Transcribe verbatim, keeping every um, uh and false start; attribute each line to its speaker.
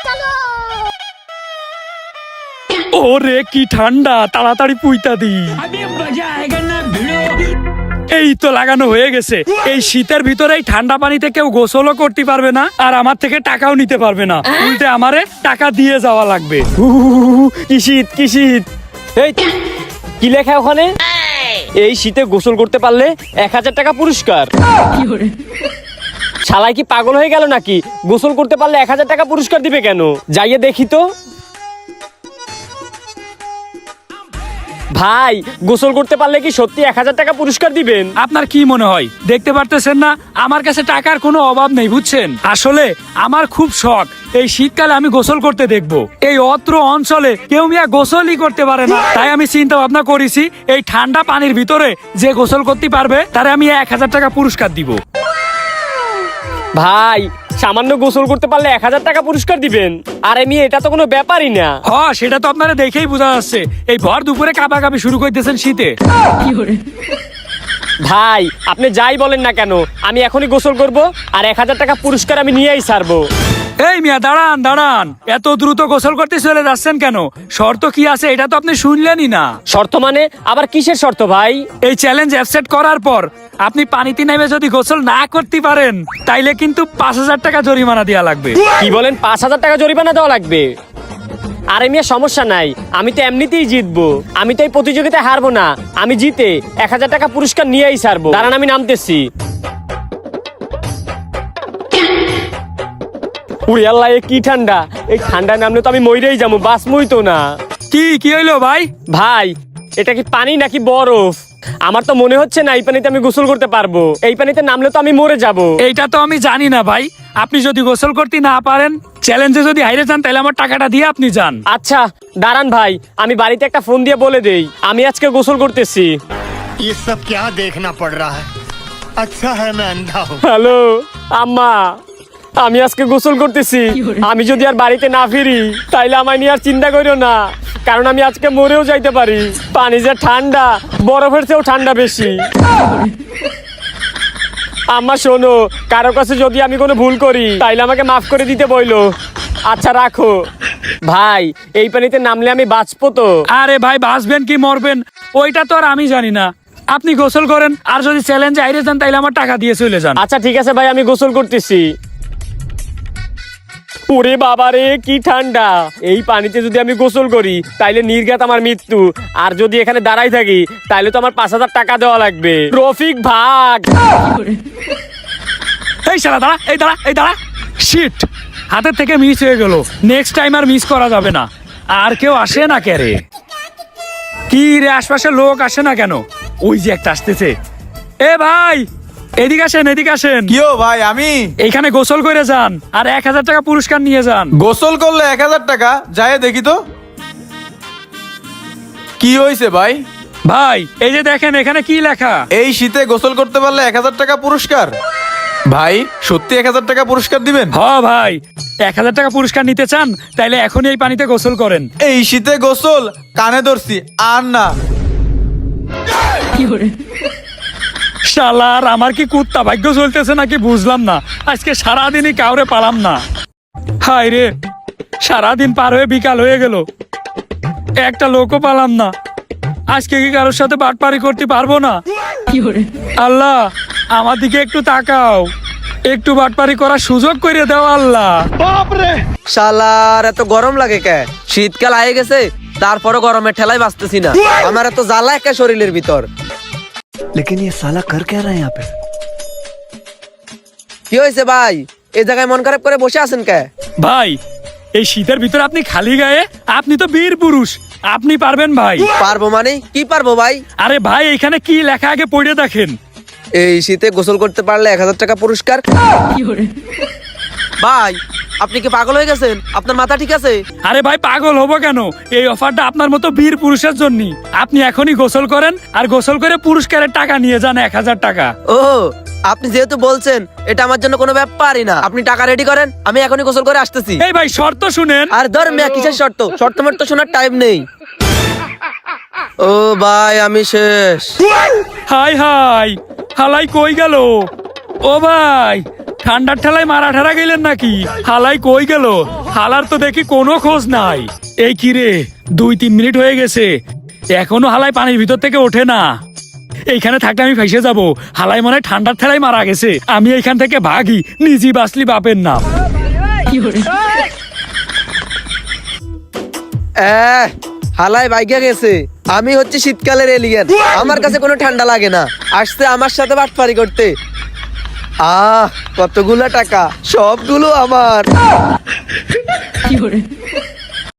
Speaker 1: ওরে কি ঠান্ডা, তাড়াতাড়ি পুইতা দি। এই তো লাগানো হয়ে গেছে। এই শীতের ভিতরে এই ঠান্ডা পানিতে কেউ গোসলও করতে পারবে না, আর আমার থেকে টাকাও নিতে পারবে না। উল্টে আমারে টাকা দিয়ে যাওয়া লাগবে।
Speaker 2: কি শীত কি শীত। এই কি লেখা ওখানে? এই শীতে গোসল করতে পারলে এক হাজার টাকা পুরস্কার। শালাই কি পাগল হয়ে গেল নাকি? গোসল করতে পারলে এক হাজার টাকা পুরস্কার দিবে কেন? যাইয়ে দেখি তো। ভাই, গোসল করতে পারলে কি সত্যি এক হাজার টাকা পুরস্কার দিবেন?
Speaker 1: আপনার কি মনে হয়? দেখতে পারতেছেন না আমার কাছে টাকার কোনো অভাব নেই, বুঝছেন? আসলে আমার খুব শখ এই শীতকালে আমি গোসল করতে দেখবো। এই অত্র অঞ্চলে কেউ মিয়া গোসলই করতে পারে না, তাই আমি চিন্তা ভাবনা করেছি এই ঠান্ডা পানির ভিতরে যে গোসল করতে পারবে তারে আমি এক হাজার টাকা পুরস্কার দিব।
Speaker 2: ভাই, সামান্য গোসল করতে পারলে এক হাজার টাকা পুরস্কার দিবেন? আরে মেয়ে, এটা তো কোনো ব্যাপারই না।
Speaker 1: হ, সেটা তো আপনারা দেখেই বোঝা যাচ্ছে। এই ভর দুপুরে কাঁপা কাঁপি শুরু করতেছেন শীতে।
Speaker 2: ভাই, আপনি যাই বলেন না কেন, আমি এখনই গোসল করব আর এক হাজার টাকা পুরস্কার আমি নিয়েই ছাড়বো।
Speaker 1: এই মিয়া, দাঁড়ান দাঁড়ান, এত দ্রুত গোসল করতে চলে যাচ্ছেন কেন? শর্ত কি আছে এটা তো আপনি শুনলেনই না।
Speaker 2: শর্ত মানে? আবার কিসের শর্ত ভাই?
Speaker 1: এই চ্যালেঞ্জ অ্যাকসেপ্ট করার পর আপনি পানিতে নেমে যদি গোসল না করতে পারেন তাইলে কিন্তু পাঁচ হাজার টাকা জরিমানা দেওয়া লাগবে।
Speaker 2: কি বলেন? পাঁচ হাজার টাকা জরিমানা দেওয়া লাগবে? আরে মিয়া, সমস্যা নাই, আমি তো এমনিতেই জিতবো। আমি তো এই প্রতিযোগিতায় হারবো না। আমি জিতে এক হাজার টাকা পুরস্কার নিয়েই ছাড়বো। দাঁড়ান, আমি নামতেছি। উড়ি আল্লাহ, এ কি ঠান্ডা! এই ঠান্ডা নামলে তো আমি মইরেই যাবো, বাঁচমই তো না।
Speaker 1: কি কি হইলো ভাই?
Speaker 2: ভাই, এটা কি পানি নাকি বরফ? আমার তো মনে হচ্ছে না এই পানিতে আমি গোসল করতে পারবো। এই পানিতে নামলে তো আমি মরে যাব।
Speaker 1: এইটা তো আমি জানি না ভাই। আপনি যদি গোসল করতে না পারেন, চ্যালেঞ্জে যদি হাইরে যান, তাহলে আমার টাকাটা দিয়ে আপনি যান।
Speaker 2: আচ্ছা দাঁড়ান ভাই, আমি বাড়িতে একটা ফোন দিয়ে বলে দেই আমি আজকে গোসল করতেছি।
Speaker 3: ये सब क्या देखना पड़ रहा है? अच्छा है मैं अंधा हूँ।
Speaker 2: হ্যালো আম্মা, আমি আজকে গোসল করতেছি। আমি যদি আর বাড়িতে না ফিরি তাইলে আমায় নিয়ে আর চিন্তা করিও না, কারণ আমি আজকে মরেও যাইতে পারি। পানি যে ঠান্ডা, বরফের চেয়েও ঠান্ডা বেশি। আম্মা শোনো, কারো কাছে যদি আমি কোনো ভুল করি তাইলে আমাকে মাফ করে দিতে বইলো। আচ্ছা রাখো। ভাই, এই পানিতে নামলে আমি বাঁচবো তো?
Speaker 1: আরে ভাই, বাঁচবেন কি মরবেন ওইটা তো আর আমি জানি না। আপনি গোসল করেন, আর যদি চ্যালেঞ্জে হাইরে যান তাইলে আমার টাকা দিয়ে চলে যান।
Speaker 2: আচ্ছা ঠিক আছে ভাই, আমি গোসল করতেছি। ওরে বাবা রে, কি ঠান্ডা! এই পানিতে যদি আমি গোসল করি তাইলে নির্ঘাত আমার মৃত্যু। আর যদি এখানে দাঁড়াই থাকি তাইলে তো আমার পাঁচ হাজার টাকা দেওয়া লাগবে। রফিক ভাগ!
Speaker 1: এই শালা দাঁড়া, এই দাঁড়া, এই দাঁড়া। শিট, হাতের থেকে মিস হয়ে গেল। নেক্সট টাইম আর মিস করা যাবে না। আর কেউ আসে না কে রে? কি রে, আশপাশে লোক আসে না কেন? ওই যে একটা আসতেছে। এ ভাই, এদিকে আসেন, এদিকে আসেন।
Speaker 4: কিও ভাই, আমি
Speaker 1: এইখানে গোসল করে যান আর এক হাজার টাকা পুরস্কার নিয়ে যান।
Speaker 4: গোসল করলে এক হাজার টাকা? যায় দেখি তো কি হয়েছে ভাই।
Speaker 1: ভাই, এই যে দেখেন এখানে কি লেখা।
Speaker 4: এই শীতে গোসল করতে পারলে এক হাজার টাকা পুরস্কার। ভাই, সত্যি এক হাজার টাকা পুরস্কার দিবেন?
Speaker 1: হ ভাই, এক হাজার টাকা পুরস্কার নিতে চান তাইলে এখনই এই পানিতে গোসল করেন।
Speaker 4: এই শীতে গোসল কানে ধরছি আর না।
Speaker 1: শালার, আমার কি কুত্তা ভাগ্য চলতেছে নাকি বুঝলাম না। আজকে সারাদিনই কাউরে পালাম না। হায় রে, সারাদিন পার হয়ে বিকাল হয়ে গেল, একটা লোকও পালাম না। আজকে কি কারোর সাথে বাটপারি করতে পারবো না? আল্লাহ, আমার দিকে একটু তাকাও, একটু বাটপারি করার সুযোগ করে দাও আল্লাহ।
Speaker 5: শালার, এত গরম লাগে কে? শীতকাল আয়ে গেছে, তারপরও গরমের ঠেলায় বাঁচতেছি না। আমার এত জ্বালা একে শরীরের ভিতর।
Speaker 6: लेकिन ये साला कर क्या रहा है यहाँ पे?
Speaker 5: কি হয়েছে ভাই? এই জায়গায় মন খারাপ করে বসে আছেন কে?
Speaker 1: ভাই, এই শীতের ভিতরে আপনি খালি গায়ে, আপনি তো বীর পুরুষ, আপনি পারবেন ভাই।
Speaker 5: পারবো মানে কি পারবো ভাই?
Speaker 1: আরে ভাই, এখানে কি লেখা আগে পড়ে দেখেন।
Speaker 5: এই শীতে গোসল করতে পারলে এক হাজার টাকা পুরস্কার। ভাই, আপনি কি পাগল হয়ে গেছেন? আপনার মাথা ঠিক আছে?
Speaker 1: আরে ভাই, পাগল হবো কেন? এই অফারটা আপনার মতো বীর পুরুষের জন্য। আপনি এখনই গোসল করেন আর গোসল করে পুরস্কারের টাকা নিয়ে যান, এক হাজার টাকা।
Speaker 5: ও, আপনি যেহেতু বলছেন, এটা আমার জন্য কোনো ব্যাপারই না। আপনি টাকা রেডি করেন, আমি এখনই গোসল করে আসতেছি।
Speaker 1: এই ভাই, শর্ত শুনেন।
Speaker 5: আর ধর মিয়া, কিসের শর্ত? শর্ত মর্ত শোনার টাইম নেই। ও ভাই, আমি শেষ।
Speaker 1: হাই হাই, হালাই কই গেল? ও ভাই, ঠান্ডার ঠেলায় মারা ঠারা গেলেন নাকি? হালাই কই গেল? হালার তো দেখি কোনো খোঁজ নাই। এই কি রে, দুই তিন মিনিট হয়ে গেছে, এখনো হালাই পানির ভিতর থেকে ওঠে না। এইখানে থাকলে আমি ফেসে যাব। হালাই মনে হয় ঠান্ডার ঠেলায় মারা গেছে। আমি এইখান থেকে ভাগি, নিজেই বাঁচলি বাপের নাম।
Speaker 5: এহ, হালাই বাইকে গেছে। আমি হচ্ছে শীতকালের এলিয়েন, আমার কাছে কোনো ঠান্ডা লাগে না। আসছে আমার সাথে বাটপারি করতে। আহ, কতগুলা টাকা, সবগুলো আমার।